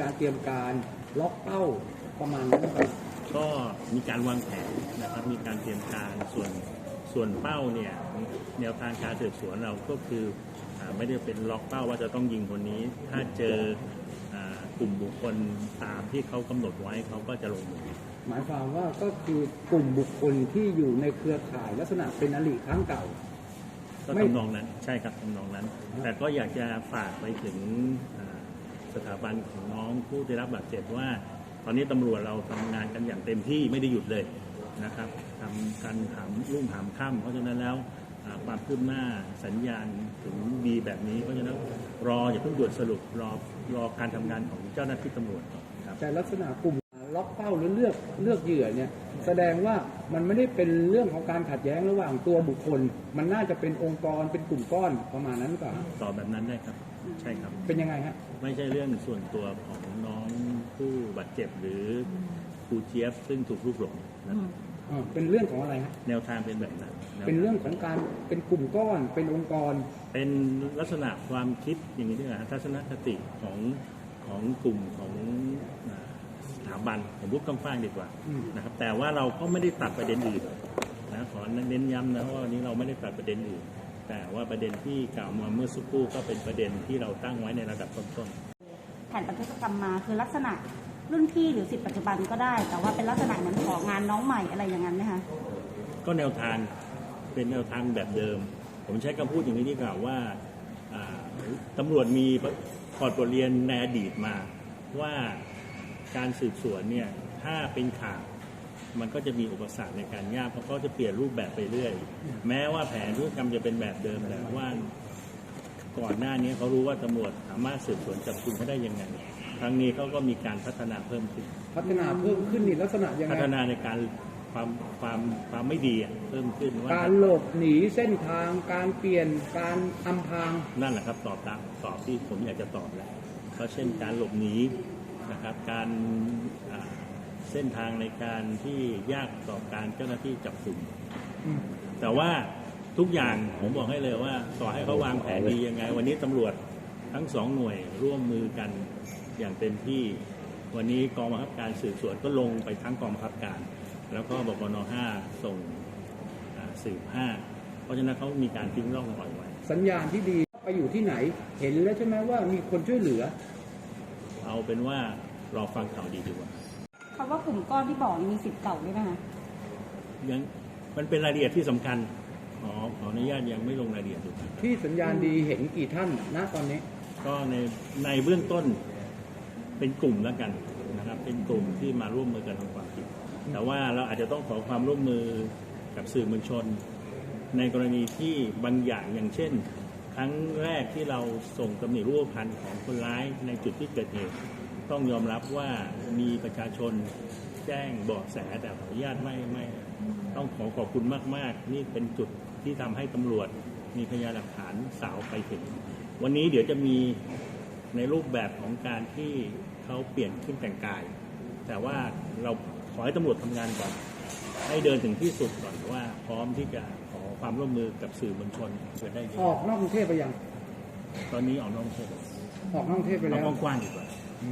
การเตรียมการล็อกเป้าประมาณนั้นครับก็มีการวางแผนนะครับมีการเตรียมการส่วนเป้าเนี่ยแนวทางการสืบสวนเราก็คือไม่ได้เป็นล็อกเป้าว่าจะต้องยิงคนนี้ถ้าเจอกลุ่มบุคคลตามที่เขากำหนดไว้เขาก็จะลงมือหมายความว่าก็คือกลุ่มบุคคลที่อยู่ในเครือข่ายลักษณะเป็นอริครั้งเก่าก็ทำนองนั้นใช่ครับทำนองนั้นแต่ก็อยากจะฝากไปถึงสถาบันของน้องผู้ได้รับบาดเจ็บว่าตอนนี้ตำรวจเราทำงานกันอย่างเต็มที่ไม่ได้หยุดเลยนะครับทำกันหามรุ่งหามค่ำเพราะฉะนั้นแล้วความคืบหน้าสัญญาณถึงดีแบบนี้เพราะฉะนั้นอย่าเพิ่งด่วนสรุปรอการทำงานของเจ้าหน้าที่ตำรวจครับแต่ลักษณะกลุ่มล็อกเป้าหรือเลือกเหยื่อเนี่ยแสดงว่ามันไม่ได้เป็นเรื่องของการขัดแย้งระหว่างตัวบุคคลมันน่าจะเป็นองค์กรเป็นกลุ่มก้อนประมาณนั้นหรือเปล่าตอบแบบนั้นได้ครับใช่ครับเป็นยังไงฮะไม่ใช่เรื่องส่วนตัวของน้องผู้บาดเจ็บหรือครูเจี๊ยบซึ่งถูกลูกหลงนะเป็นเรื่องของอะไรฮะแนวทางเป็นแบบนั้นเป็นเรื่องของการเป็นกลุ่มก้อนเป็นองค์กรเป็นลักษณะความคิดอย่างนี้ด้วยนะทัศนคติของกลุ่มของสถาบันผมพูดกว้างๆดีกว่านะครับแต่ว่าเราก็ไม่ได้ตัดประเด็นอื่นนะขอเน้นย้ำนะว่าวันนี้เราไม่ได้ตัดประเด็นอื่นแต่ว่าประเด็นที่กล่าวมาเมื่อสักครู่ก็เป็นประเด็นที่เราตั้งไว้ในระดับต้นๆแผนบันทึกกรรมมาคือลักษณะรุ่นพี่หรือศิษย์ปัจจุบันก็ได้แต่ว่าเป็นลักษณะเหมือนของานน้องใหม่อะไรอย่างนั้นไหมคะก็แนวทางเป็นแนวทางแบบเดิมผมใช้คำพูดอย่างนี้ดีกว่าว่าตำรวจมีถอดบทเรียนในอดีตมาว่าการสืบสวนเนี่ยถ้าเป็นข่าวมันก็จะมีอุปสรรคในการยากเพราะเขาจะเปลี่ยนรูปแบบไปเรื่อยแม้ว่าแผนธุรกรรมจะเป็นแบบเดิมแต่ว่าก่อนหน้านี้เขารู้ว่าตำรวจสามารถสืบสวนจับกุมเขาได้ยังไงครั้งนี้เขาก็มีการพัฒนาเพิ่มขึ้นนี่ลักษณะยังไงพัฒนาในการความไม่ดีเพิ่มขึ้นว่าการหลบหนีเส้นทางการเปลี่ยนการอำพรางนั่นแหละครับตอบที่ผมอยากจะตอบแล้วก็เช่นการหลบหนีนะครับการเส้นทางในการที่ยากต่อการเจ้าหน้าที่จับกุมแต่ว่าทุกอย่างผมบอกให้เลยว่าต่อให้เขาวางแผนดียังไงวันนี้ตำรวจทั้งสองหน่วยร่วมมือกันอย่างเต็มที่วันนี้กองบังคับการสืบสวนก็ลงไปทั้งกองบังคับการแล้วก็บกน. 5ส่งสืบ5เพราะฉะนั้นเขามีการทิ้งร่องรอยไว้สัญญาณที่ดีไปอยู่ที่ไหนเห็นแล้วใช่ไหมว่ามีคนช่วยเหลือเอาเป็นว่ารอฟังข่าวดีดีกว่าคำว่ากลุ่มก้อนที่บอกมีสิทธิ์เก่าด้วยนะคะยังมันเป็นรายละเอียดที่สำคัญขออนุญาตยังไม่ลงรายละเอียดดูที่สัญญาณดีเห็นกี่ท่านณตอนนี้ก็ในเบื้องต้นเป็นกลุ่มแล้วกันนะครับเป็นกลุ่มที่มาร่วมมือกันทำความผิดแต่ว่าเราอาจจะต้องขอความร่วมมือกับสื่อมวลชนในกรณีที่บางอย่างเช่นครั้งแรกที่เราส่งตำหนิรูปพรรณของคนร้ายในจุดที่เกิดเหตุต้องยอมรับว่ามีประชาชนแจ้งเบาะแสแต่ขออนุญาตไม่ต้องขอบคุณมากๆนี่เป็นจุดที่ทำให้ตำรวจมีพยานหลักฐานสาวไปถึงวันนี้เดี๋ยวจะมีในรูปแบบของการที่เขาเปลี่ยนขึ้นแต่งกายแต่ว่าเราขอให้ตำรวจทำงานก่อนให้เดินถึงที่สุดก่อนว่าพร้อมที่จะขอความร่วมมือกับสื่อมวลชนเพื่อได้ออกนอกกรุงเทพไปยังตอนนี้ออกนอกกรุงเทพไปแล้วกว้างดีกว่า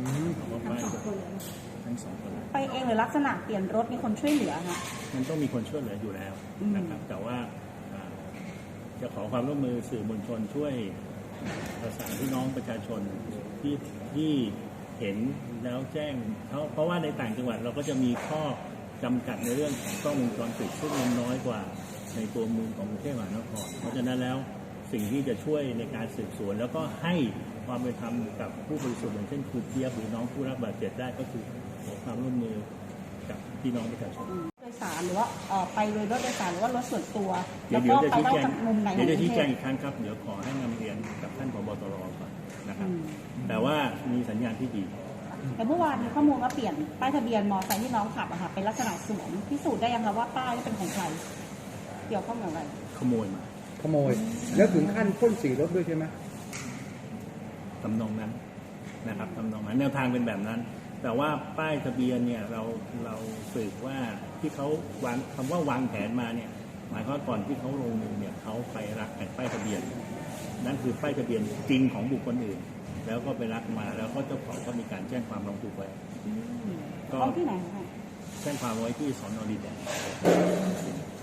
ทั้งสองคนไปเองหรือลักษณะเปลี่ยนรถมีคนช่วยเหลือคะมันต้องมีคนช่วยเหลืออยู่แล้วนะครับแต่ว่าจะขอความร่วมมือสื่อมวลชนช่วยประสานพี่น้องประชาชนที่เห็นแล้วแจ้งเขาเพราะว่าในต่างจังหวัดเราก็จะมีข้อจำกัดในเรื่องของกล้องวงจรปิดซึ่งมันน้อยกว่าในตัวเมืองของกรุงเทพมหานครเพราะฉะนั้นแล้วสิ่งที่จะช่วยในการสืบสวนแล้วก็ให้ความเป็นธรรมกับผู้บริสุทธิ์อย่างเช่นครูเจี๊ยบหรือน้องผู้รับบาดเจ็บได้ก็คือขอความร่วมมือกับพี่น้องประชาชนโดยสารหรือว่าไปโดยรถโดยสารหรือว่ารถส่วนตัวแล้วก็ไปได้จากมุมไหนเดี๋ยวจะชี้แจงอีกครั้งครับเดี๋ยวขอให้นำเรียนกับท่านผบ.ตร.ก่อนนะครับแต่ว่ามีสัญญาณที่ดีแต่เมื่อวานมีข้อมูลว่าเปลี่ยนป้ายทะเบียนมอเตอร์ไซค์ที่น้องขับอะค่ะเป็นลักษณะสวมพิสูจน์ได้ยังคะว่าป้ายเป็นของใครเกี่ยวข้องกับอะไรขโมยแล้วถึงขั้นพ่นสีรถด้วยใช่ไหมทำนองนั้นนะครับทำนองนั้นแนวทางเป็นแบบนั้นแต่ว่าป้ายทะเบียนเนี่ยเราสืบว่าที่เขาวางคำว่าวางแผนมาเนี่ยหมายความว่าก่อนที่เขาลงมือเนี่ยเขาไปรักแผ่นป้ายทะเบียนนั่นคือป้ายทะเบียนจริงของบุคคลอื่นแแล้วก็ไปลักมาแล้วก็เจ้าของก็มีการแจ้งความร้องทุกข์ไว้ก็ท้องที่ไหนคะแจ้งความไว้ที่สน.ดินแดง